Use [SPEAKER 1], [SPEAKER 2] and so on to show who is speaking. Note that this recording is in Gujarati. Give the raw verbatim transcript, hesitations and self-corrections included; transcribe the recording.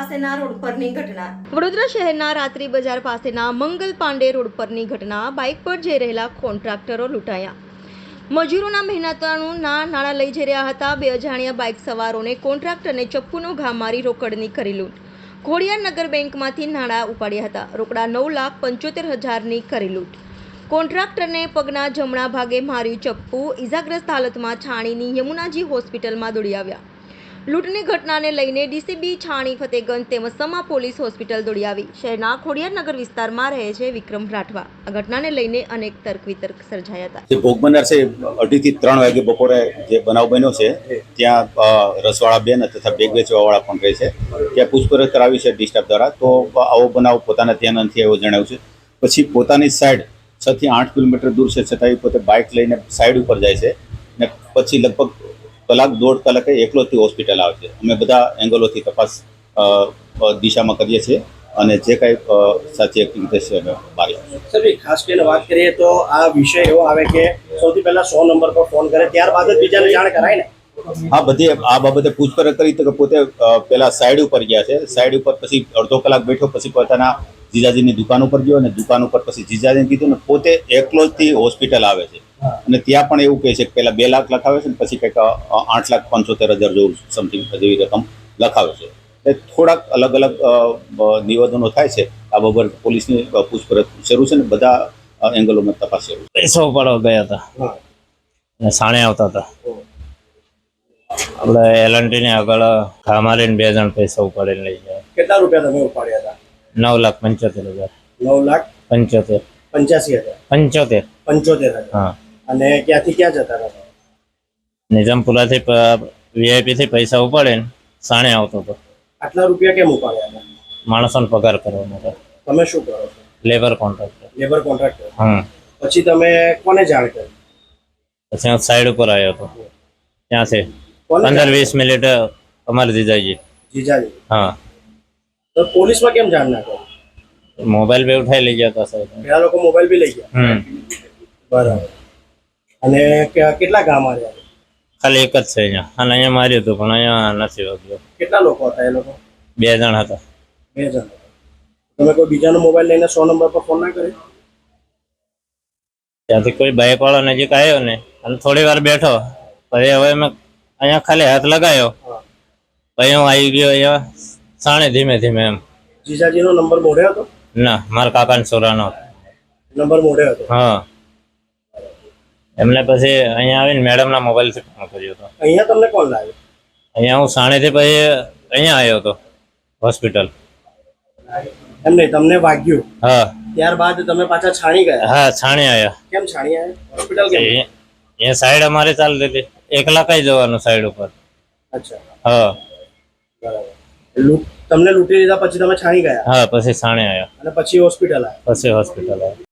[SPEAKER 1] પાસેના રોડ પરની ઘટના।
[SPEAKER 2] વડોદરા શહેરના રાત્રિ બજાર પાસેના મંગલ પાંડે રોડ પરની ઘટના। બાઇક પર જઈ રહેલા કોન્ટ્રાક્ટરો લૂંટાયા। મજૂરોના મહેનતાણું ના નાણાં લઈ જઈ રહ્યા હતા। બે અજાણ્યા બાઇક સવારોને કોન્ટ્રાક્ટરને ચપ્પુનો ઘા મારી રોકડની કરી લૂંટ। ખોડિયાર નગર બેંકમાંથી નાણાં ઉપાડ્યા હતા। રોકડા નવ લાખ પંચોતેર હજારની કરી લૂંટ। કોન્ટ્રાક્ટરને પગના જમણા ભાગે માર્યું ચપ્પુ। ઇજાગ્રસ્ત હાલતમાં છાણીની યમુનાજી હોસ્પિટલમાં દોડી આવ્યા। લૂંટની ઘટનાને લઈને ડીસીબી છાણી ફતેગંજ તેમજ સમા પોલીસ હોસ્પિટલ દોડી આવી। શહેરના ખોડિયાર નગર વિસ્તારમાં રહે છે વિક્રમ રાઠવા। આ ઘટનાને લઈને અનેક તર્ક વિતર્ક સર્જાયા હતા।
[SPEAKER 3] જે ભોગ બનનાર છે અઢી થી ત્રણ વાગે બપોરે જે બનાવ બન્યો છે ત્યાં રસવાળા બેન તથા બેગ વેચવાવાળા પણ રહે છે ત્યાં પૂછપરછ કરાવી છે ડી સ્ટાફ દ્વારા। તો આવો બનાવ પોતાના ધ્યાન નથી આવ્યો જણાવ્યું છે। પછી પોતાની સાઈડ છ થી આઠ કિલોમીટર દૂર છે છતાં પોતે બાઇક લઈને સાઈડ ઉપર જાય છે ને પછી લગભગ કલાક દોઢ કલાકે એકલોથી હોસ્પિટલ આવે છે। અમે બધા એંગલોથી તપાસ દિશામાં કરીએ છીએ અને જે કાંઈ સાચી એક્ટિવિટી છે અમે બહાર લાવીશું।
[SPEAKER 4] સર ખાસ કરીને વાત કરીએ તો આ વિષય એવો આવે કે સૌથી પહેલા સો નંબર પર ફોન કરે ત્યારબાદ જ બીજાને જાણ કરાય ને।
[SPEAKER 3] હા, બધી આ બાબતે પૂછપરછ કરી તો પોતે પેલા સાઈડ ઉપર ગયા છે। સાઈડ ઉપર પછી અડધો કલાક બેઠો પછી પોતાના જીજાજીની દુકાન ઉપર ગયો અને દુકાન ઉપર પછી જીજાજીને કીધું ને પોતે એકલો જ હોસ્પિટલ આવે છે અને ત્યાં પણ એવું કહે છે કે પહેલા બે લાખ લખાવે છે ને પછી કંઈક આઠ લાખ પંચોતેર હજાર જેવું સમથિંગ જેવી રકમ લખાવે છે। એ થોડાક અલગ અલગ નિવેદનો થાય છે। આ બાબત પોલીસની પૂછપરછ શરૂ છે ને બધા એંગલોમાં તપાસ શરૂ છે।
[SPEAKER 5] પૈસા ઉપાડવા ગયા હતા અને સાણે આવતા હતા આપણે એલએનટી ની આગળ ઘા મારીને બે જણ પૈસા ઉપાડીને લઈ ગયા।
[SPEAKER 4] કેટલા રૂપિયા તમે ઉપાડ્યા હતા?
[SPEAKER 5] નવ લાખ પંચોતેર હજાર
[SPEAKER 4] નવ લાખ
[SPEAKER 5] પંચોતેર
[SPEAKER 4] પંચ્યાસી હજાર
[SPEAKER 5] પંચોતેર
[SPEAKER 4] પંચોતેર હજાર
[SPEAKER 5] હા।
[SPEAKER 4] અને ક્યાંથી ક્યાં જતા હતા?
[SPEAKER 5] નિઝામપુરાથી વીઆઈપી થી પૈસા ઉપાડીને સાણે આવતો હતો।
[SPEAKER 4] આટલા રૂપિયા કેમ ઉપાડ્યા હતા?
[SPEAKER 5] માણસોને પગાર કરવા માટે।
[SPEAKER 4] તમે શું કરો છો?
[SPEAKER 5] Labour contractor.
[SPEAKER 4] Labour contractor.
[SPEAKER 5] હા।
[SPEAKER 4] પછી તમે કોને જાણ કરી?
[SPEAKER 5] પછી હું સાઈડ ઉપર આવ્યો હતો ત્યાંથી
[SPEAKER 4] કોને
[SPEAKER 5] પંદર વીસ મિનિટ અમારે જીજાજી
[SPEAKER 4] જીજાજી?
[SPEAKER 5] હા।
[SPEAKER 4] તો પોલીસમાં કેમ જાણ ના કરી?
[SPEAKER 5] મોબાઈલ બી ઉઠાઈ લઈ ગયા હતા સાહેબ।
[SPEAKER 4] પેલા લોકો મોબાઈલ બી લઈ ગયા?
[SPEAKER 5] હમ
[SPEAKER 4] બરાબર। અને કે- કેટલા ગામ આવ્યા?
[SPEAKER 5] ખાલી એક જ છે અહીંયા અને અહીંયા માર્યું હતું પણ અહીંયા નથી વાગ્યો।
[SPEAKER 4] કેટલા લોકો હતા એ લોકો?
[SPEAKER 5] બે જણ હતા।
[SPEAKER 4] બે જણ। તમે કોઈ બીજાનો મોબાઈલ લઈને સો નંબર પર ફોન ના કર્યો?
[SPEAKER 5] ત્યાંથી કોઈ બાઇક વાળો નજીક આવ્યો ને અને થોડી વાર બેઠો પછી હવે મેં અહીંયા ખાલી હાથ લગાવ્યો પછી હું આવી ગયો અહીંયા સાણે ધીમે ધીમે એમ।
[SPEAKER 4] જીજાજીનો નંબર મોઢે હતો?
[SPEAKER 5] ના, મારા કાકાના છોરાનો હતો।
[SPEAKER 4] નંબર મોઢે હતો?
[SPEAKER 5] હા। એમને પછી અહીંયા આવીને મેડમના મોબાઈલથી ફોન કર્યો હતો।
[SPEAKER 4] અહીંયા તમને કોણ લાવ્યો?
[SPEAKER 5] અહીંયા હું સાણેથી પછી અહીંયા આવ્યો હતો હોસ્પિટલ।
[SPEAKER 4] એમ નહીં, તમને વાગ્યું
[SPEAKER 5] હા
[SPEAKER 4] ત્યારબાદ તમે પાછા છાણી ગયા?
[SPEAKER 5] હા, છાણે આવ્યા।
[SPEAKER 4] કેમ છાણી આવ્યા? હોસ્પિટલ કેમ?
[SPEAKER 5] અહીંયા સાઈડ અમારે ચાલતી હતી એકલા કઈ જવાનું સાઈડ ઉપર।
[SPEAKER 4] અચ્છા,
[SPEAKER 5] હા
[SPEAKER 4] બરાબર। લૂંટ તમને લૂંટી લીધા પછી તમે છાણી ગયા?
[SPEAKER 5] હા, પછી સાણે આવ્યા
[SPEAKER 4] અને પછી હોસ્પિટલ આવ્યા?
[SPEAKER 5] પછી હોસ્પિટલ આવ્યા।